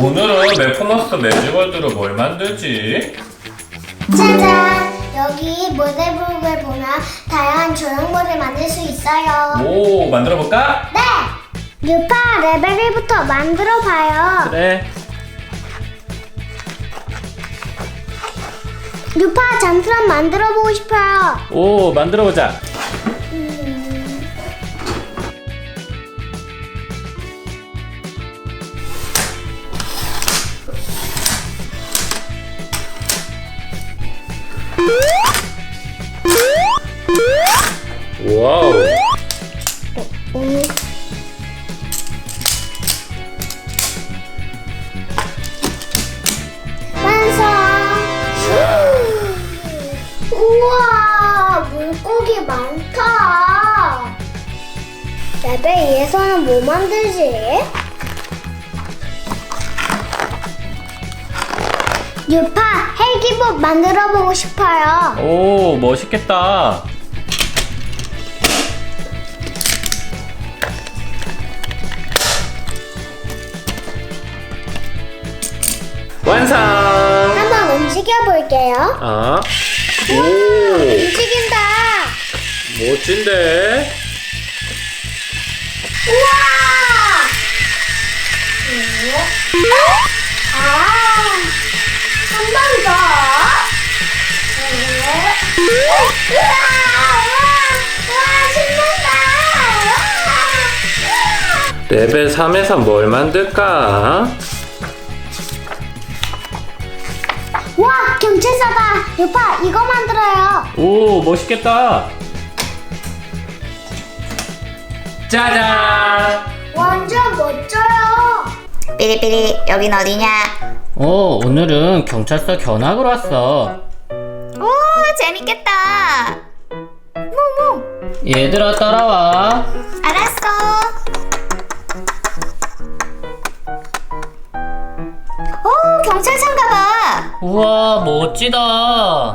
오늘은 매포머스 매직월드로 뭘 만들지? 짜잔! 여기 모델북을 보면 다양한 조형물을 만들 수 있어요. 오, 만들어볼까? 네! 유파 레벨 1부터 만들어봐요. 그래. 유파 잠수함 만들어보고 싶어요. 오, 만들어보자. 와우. 완성! 우와, 물고기 많다. 레벨 2에서는 뭐 만들지? 유파 헬기복 만들어보고 싶어요. 오, 멋있겠다. 완성! 한번 움직여볼게요. 아, 오, 움직인다. 멋진데? 우와! 한 번 더. 우와! 신난다. 레벨 3에서 뭘 만들까? 와, 경찰서다. 유파, 이거 만들어요. 오, 멋있겠다. 짜잔! 완전 멋져요. 삐리삐리 여긴 어디냐? 오늘은 경찰서 견학을 왔어. 오 재밌겠다. 뭐뭐? 얘들아, 따라와. 알았어. 오 경찰서인가 봐. 우와, 멋지다.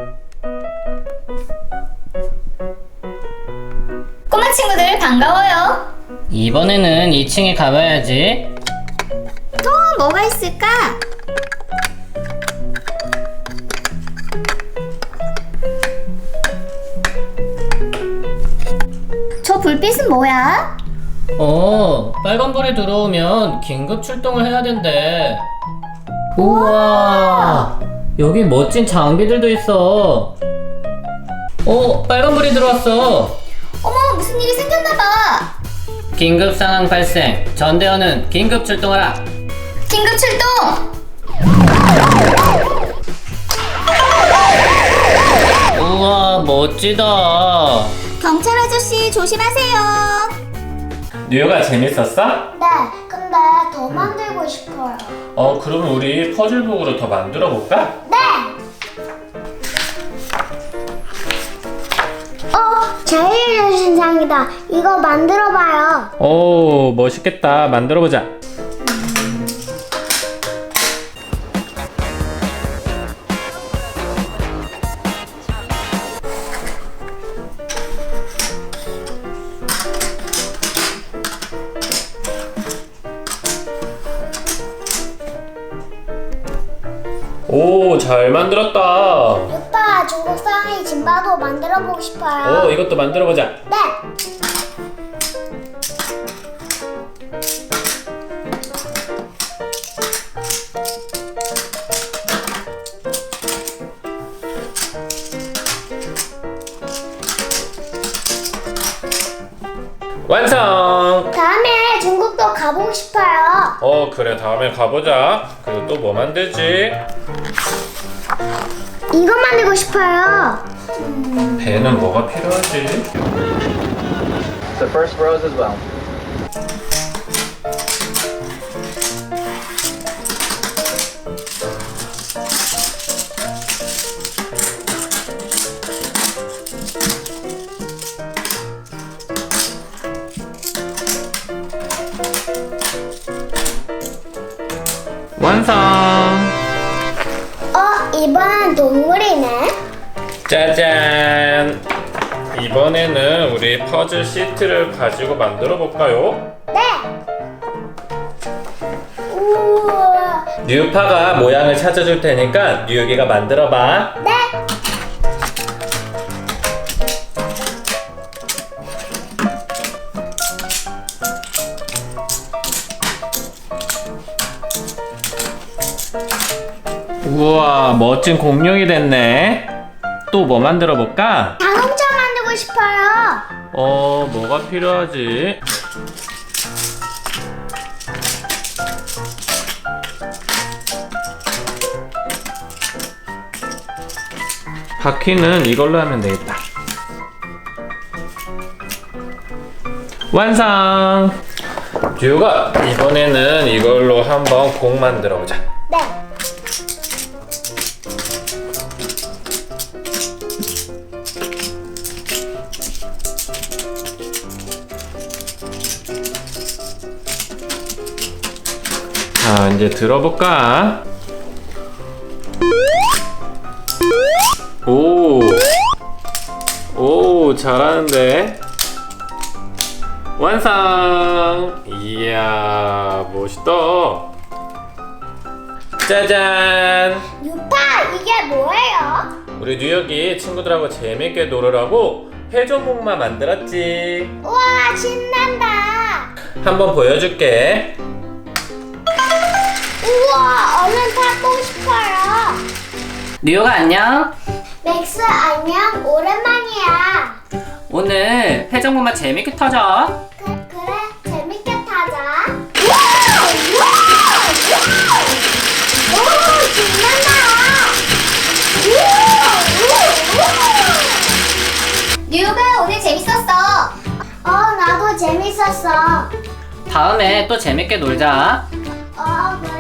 꼬마 친구들 반가워요. 이번에는 2층에 가봐야지. 또 뭐가 있을까? 저 불빛은 뭐야? 빨간불이 들어오면 긴급 출동을 해야 된대. 우와, 여기 멋진 장비들도 있어. 빨간불이 들어왔어. 어머 무슨 일이 생겼나봐. 긴급 상황 발생. 전대원은 긴급 출동하라. 긴급 출동. 우와, 멋지다. 경찰 아저씨 조심하세요. 뉴욕아, 재밌었어? 네, 근데 더 만들고 싶어요. 그러면 우리 퍼즐북으로 더 만들어 볼까? 네! 제일 신상이다. 이거 만들어봐요. 오, 멋있겠다. 만들어 보자. 오, 잘 만들었다. 유파, 중국 상의 짐바도 만들어보고 싶어요. 이것도 만들어 보자. 네! 완성! 다음에 중국도 가보고 싶어요. 그래, 다음에 가보자. 그리고 또 뭐 만들지? 이거 만들고 싶어요. 배는 뭐가 필요하지? The first rose as well. 완성! 이번엔 동물이네. 짜잔! 이번에는 우리 퍼즐 시트를 가지고 만들어 볼까요? 네. 우와. 뉴파가 모양을 찾아줄 테니까 뉴욕이가 만들어봐. 네. 우와, 멋진 공룡이 됐네. 또 뭐 만들어 볼까? 자동차 만들고 싶어요. 뭐가 필요하지? 바퀴는 이걸로 하면 되겠다. 완성! 듀가 이번에는 이걸로 한번 공 만들어 보자. 네. 자, 이제 들어볼까? 오, 잘하는데? 완성! 이야, 멋있다. 짜잔! 유파, 이게 뭐예요? 우리 뉴욕이 친구들하고 재밌게 놀으라고 회전목마 만들었지. 우와, 신난다. 한번 보여줄게. 우와, 얼른 타보고 싶어요. 뉴욕아 안녕. 맥스, 안녕. 오랜만이야. 오늘 회전목마 재밌게 타자. 그래, 재밌게 타자. 오, 신난다. 뉴욕아, 오늘 재밌었어. 나도 재밌었어. 다음에 또 재밌게 놀자. 그래.